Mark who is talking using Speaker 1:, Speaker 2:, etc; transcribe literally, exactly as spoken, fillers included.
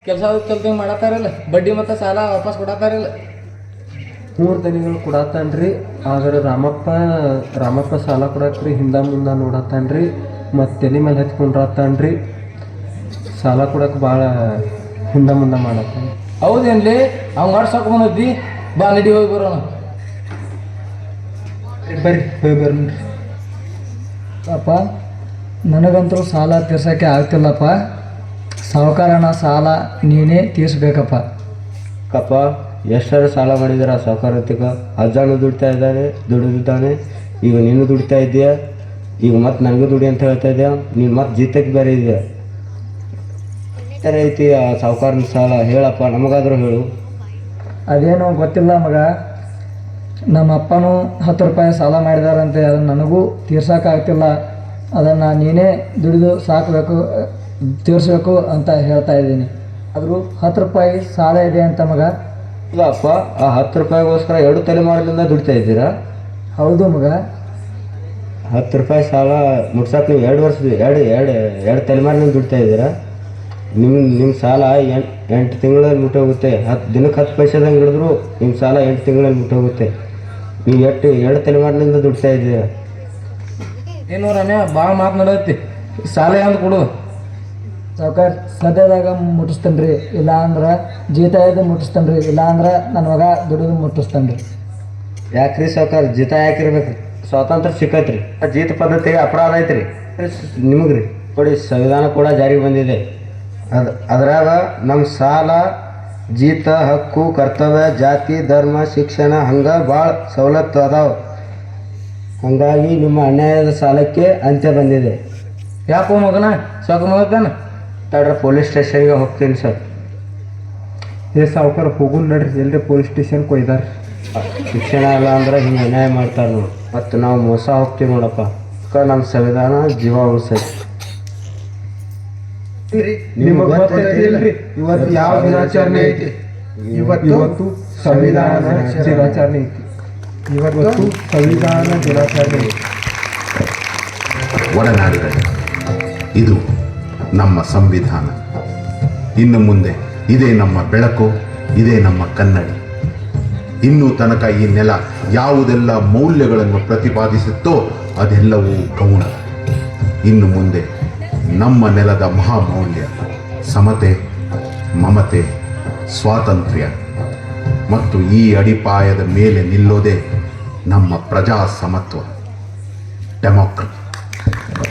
Speaker 1: ಕೆಲಸ ಚಲ್ತಿ ಮಾಡತ್ತಾರಲ್ಲ, ಬಡ್ಡಿ ಮತ್ತು ಸಾಲ ವಾಪಸ್ ಕೊಡತ್ತಾರಲ್ಲ.
Speaker 2: ಮೂರು ದನಿಗಳು ಕೊಡತ್ತಾನ್ರಿ. ಆದ್ರೆ ರಾಮಪ್ಪ ರಾಮಪ್ಪ ಸಾಲ ಕೊಡಕ್ರಿ ಹಿಂದ ಮುಂದೆ ನೋಡತ್ತಾನ್ರಿ. ಮತ್ತು ತಲೆ ಮೇಲೆ ಹಚ್ಕೊಂಡ್ರತ್ತಾನ್ರಿ. ಸಾಲ ಕೊಡಕ್ಕೆ ಭಾಳ ಹಿಂದ ಮುಂದೆ ಮಾಡತ್ತಾನ.
Speaker 1: ಹೌದೇನ್ಲಿ? ಅವ್ನು ಆಡ್ಸಕ್ಕೆ ಬಂದದ್ದಿ. ಬಾ ನಡಿ ಹೋಗಿ ಬರೋಣ.
Speaker 2: ಬರ್ರಿ ಹೋಗಿ ಬರ್ರಿ.
Speaker 3: ಅಪ್ಪ ನನಗಂತೂ ಸಾಲ ತೀರ್ಸೋಕ್ಕೆ ಆಗ್ತಿಲ್ಲಪ್ಪ. ಸಾಹುಕಾರನ ಸಾಲ ನೀನೇ ತೀರಿಸ್ಬೇಕಪ್ಪ.
Speaker 2: ಕಪ್ಪ ಎಷ್ಟರ ಸಾಲ ಮಾಡಿದಾರೆ ಆ ಸಾಹುಕಾರತಿಗ. ಅಜ್ಜಾನು ದುಡಿತಾ ಇದ್ದಾನೆ, ದುಡಿದಿದ್ದಾನೆ. ಈಗ ನೀನು ದುಡಿತಾ ಇದೆಯಾ, ಈಗ ಮತ್ತೆ ನನಗೂ ದುಡಿ ಅಂತ ಹೇಳ್ತಾ ಇದೆಯಾ. ನೀನು ಮತ್ತೆ ಜೀತಕ್ಕೆ ಬೇರೆ ಇದೆಯಾ. ಈ ಥರ ಐತಿ ಆ ಸಾಹುಕಾರನ ಸಾಲ. ಹೇಳಪ್ಪ, ನಮಗಾದರೂ ಹೇಳು.
Speaker 3: ಅದೇನೋ ಗೊತ್ತಿಲ್ಲ ಮಗ. ನಮ್ಮ ಅಪ್ಪನೂ ಹತ್ತು ರೂಪಾಯಿ ಸಾಲ ಮಾಡಿದಾರಂತೆ. ಅದನ್ನು ನನಗೂ ತೀರ್ಸೋಕ್ಕಾಗ್ತಿಲ್ಲ. ಅದನ್ನು ನೀನೇ ದುಡಿದು ಸಾಕಬೇಕು, ತೀರಿಸ್ಬೇಕು ಅಂತ ಹೇಳ್ತಾ ಇದ್ದೀನಿ. ಆದರೂ ಹತ್ತು ರೂಪಾಯಿ ಸಾಲ ಇದೆ ಅಂತ ಮಗ.
Speaker 2: ಇಲ್ಲ ಅಪ್ಪ, ಆ ಹತ್ತು ರೂಪಾಯಿಗೋಸ್ಕರ ಎರಡು ತಲೆಮಾರಿನಿಂದ ದುಡಿತಾ ಇದ್ದೀರಾ?
Speaker 3: ಹೌದು ಮಗ.
Speaker 2: ಹತ್ತು ರೂಪಾಯಿ ಸಾಲ ಮುಟ್ಸಕ್ಕೆ ನೀವು ಎರಡು ವರ್ಷದ ಎರಡು ಎರಡು ಎರಡು ತಲೆಮಾರಿನಿಂದ ದುಡಿತಾ ಇದ್ದೀರಾ? ನಿಮ್ಮ ನಿಮ್ಮ ಸಾಲ ಎಂಟು ಎಂಟು ತಿಂಗಳಲ್ಲಿ ಮುಟ್ಟೋಗುತ್ತೆ. ಹತ್ತು ದಿನಕ್ಕೆ ಹತ್ತು ಪೈಸೆದಂಗೆ ಹಿಡಿದ್ರು ನಿಮ್ಮ ಸಾಲ ಎಂಟು ತಿಂಗಳಲ್ಲಿ ಮುಟ್ಟೋಗುತ್ತೆ. ನೀವು ಎಷ್ಟು ಎರಡು ತಲೆಮಾರಿನಿಂದ ದುಡಿತಾ ಇದ್ದೀರಾ.
Speaker 1: ಏನು ರಮ್ಯಾ, ಭಾಳ ಮಾತನಾಡತ್ತಿ. ಸಾಲ ಎಂದು ಕೊಡು.
Speaker 3: ಸಾವುಕಾರ ಸದ್ಯದಾಗ ಮುಟ್ಟಿಸ್ತೇನೆ ರೀ. ಇಲ್ಲ ಅಂದ್ರೆ ಜೀತ ಇದು ಮುಟ್ಟಿಸ್ತೇನೆ ರೀ. ಇಲ್ಲ ಅಂದ್ರೆ ನನ್ನ ಮಗ ದುಡಿದು ಮುಟ್ಟಿಸ್ತೇನೆ ರೀ.
Speaker 2: ಯಾಕ್ರಿ ಸಾವುಕಾರ ಜೀತ ಯಾಕಿರ್ಬೇಕು ರೀ? ಸ್ವಾತಂತ್ರ್ಯ ಸಿಕ್ಕೈತ್ರಿ. ಜೀತ ಪದ್ಧತಿಗೆ ಅಪರಾಧ ಐತ್ರಿ ನಿಮಗೆ ರೀ. ನೋಡಿ, ಸಂವಿಧಾನ ಕೂಡ ಜಾರಿಗೆ ಬಂದಿದೆ. ಅದು ಅದ್ರಾಗ ನಮ್ಮ ಸಾಲ, ಜೀತ, ಹಕ್ಕು, ಕರ್ತವ್ಯ, ಜಾತಿ, ಧರ್ಮ, ಶಿಕ್ಷಣ ಹಂಗೆ ಭಾಳ ಸವಲತ್ತು ಅದಾವೆ. ಹಾಗಾಗಿ ನಿಮ್ಮ ಅನ್ಯಾಯದ ಸಾಲಕ್ಕೆ ಅಂತ್ಯ ಬಂದಿದೆ.
Speaker 1: ಯಾಕೋ ಮಗನ ಸಾಕು ಮಗನ
Speaker 2: ತಡ್ರ ಪೊಲೀಸ್ ಸ್ಟೇಷನ್ಗೆ ಹೋಗ್ತೀನಿ ಸರ್.
Speaker 3: ಏ ಸಾವುಕಾರ ಹೋಗು ನಡ್ರಿ, ಎಲ್ಲರಿ ಪೊಲೀಸ್ ಸ್ಟೇಷನ್ಗೆ ಒಯ್ದಾರೆ.
Speaker 2: ಶಿಕ್ಷಣ ಇಲ್ಲ ಅಂದ್ರೆ ಹಿಂಗೆ ಅನ್ಯಾಯ ಮಾಡ್ತಾರೆ ನೋಡಿ. ಮತ್ತು ನಾವು ಮೋಸ ಹೋಗ್ತೀವಿ ನೋಡಪ್ಪ. ನಮ್ಮ ಸಂವಿಧಾನ ಜೀವ ಉಳಿಸೈತಿ.
Speaker 3: ನಿಮಗೆ ಗೊತ್ತಿಲ್ರಿ ಇವತ್ತು ಯಾವ ದಿನಾಚರಣೆ ಐತಿ? ಇವತ್ತು ಸಂವಿಧಾನ ದಿನಾಚರಣೆ ಐತಿ. ಇವತ್ತು ಸಂವಿಧಾನ ದಿನಾಚರಣೆ ಐತಿ.
Speaker 4: ಒಡನಾಡಿದರೆ ಇದು ನಮ್ಮ ಸಂವಿಧಾನ. ಇನ್ನು ಮುಂದೆ ಇದೇ ನಮ್ಮ ಬೆಳಕು, ಇದೇ ನಮ್ಮ ಕನ್ನಡಿ. ಇನ್ನೂ ತನಕ ಈ ನೆಲ ಯಾವುದೆಲ್ಲ ಮೌಲ್ಯಗಳನ್ನು ಪ್ರತಿಪಾದಿಸುತ್ತೋ ಅದೆಲ್ಲವೂ ಗೌಣ. ಇನ್ನು ಮುಂದೆ ನಮ್ಮ ನೆಲದ ಮಹಾಮೌಲ್ಯ ಸಮತೆ, ಮಮತೆ, ಸ್ವಾತಂತ್ರ್ಯ ಮತ್ತು ಈ ಅಡಿಪಾಯದ ಮೇಲೆ ನಿಲ್ಲೋದೇ ನಮ್ಮ ಪ್ರಜಾಸಮತ್ವ, ಡೆಮೋಕ್ರಸಿ.